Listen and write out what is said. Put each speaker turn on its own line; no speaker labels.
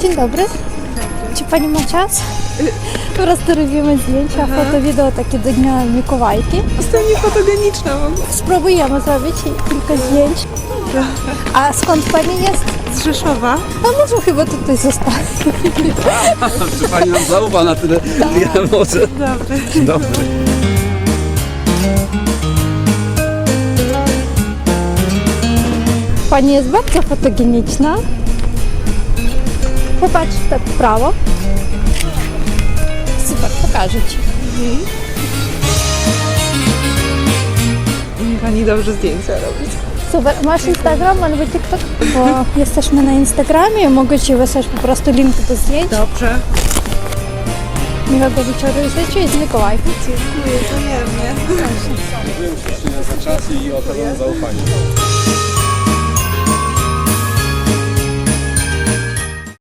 Dzień dobry. Czy pani ma czas? Po prostu robimy zdjęcia, foto, wideo takie do Dnia Mikołajki.
Jestem niefotogeniczna w ogóle.
Spróbujemy zrobić kilka zdjęć. A skąd pani jest?
Z Rzeszowa.
A może chyba tutaj zostać.
Czy pani nam zaufa na tyle, ile może?
Dobry.
Dobry.
Pani jest bardzo fotogeniczna. Popatrz tak w prawo. Super, pokażę ci.
Umie pani dobrze zdjęcia robić.
Super. Masz Instagram albo TikTok? Bo jesteśmy na Instagramie. Mogę ci wysłać po prostu link do zdjęć.
Dobrze.
Miłego wieczoru życzę i z Mikołajki.
Dziękuję, wzajemnie.
Dziękuję za czas i okazane zaufanie.